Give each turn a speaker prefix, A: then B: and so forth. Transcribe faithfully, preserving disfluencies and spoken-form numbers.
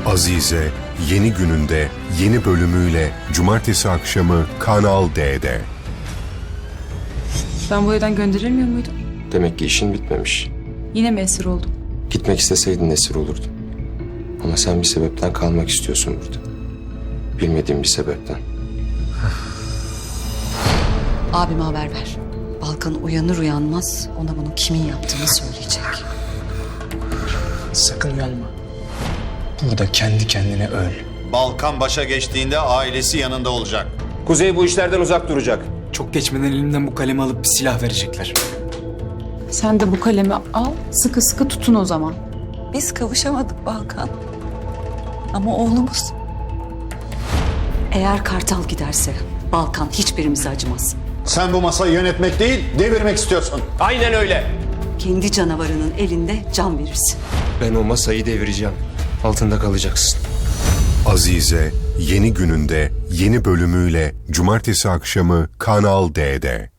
A: Azize yeni gününde yeni bölümüyle cumartesi akşamı Kanal D'de.
B: Ben bu evden gönderilmiyor muydum?
C: Demek ki işin bitmemiş.
B: Yine mi esir oldum?
C: Gitmek isteseydin esir olurdun. Ama sen bir sebepten kalmak istiyorsun burada. Bilmediğim bir sebepten.
D: Abime haber ver. Balkan uyanır uyanmaz ona bunu kimin yaptığını söyleyecek.
E: Sakın uyanma. Burada kendi kendine öl.
F: Balkan başa geçtiğinde ailesi yanında olacak.
G: Kuzey bu işlerden uzak duracak.
E: Çok geçmeden elimden bu kalemi alıp bir silah verecekler.
B: Sen de bu kalemi al, sıkı sıkı tutun o zaman.
D: Biz kavuşamadık Balkan. Ama oğlumuz. Eğer Kartal giderse Balkan hiçbirimize acımaz.
F: Sen bu masayı yönetmek değil, devirmek istiyorsun.
G: Aynen öyle.
D: Kendi canavarının elinde can verirsin.
C: Ben o masayı devireceğim. Altında kalacaksın.
A: Azize yeni gününde yeni bölümüyle cumartesi akşamı Kanal D'de.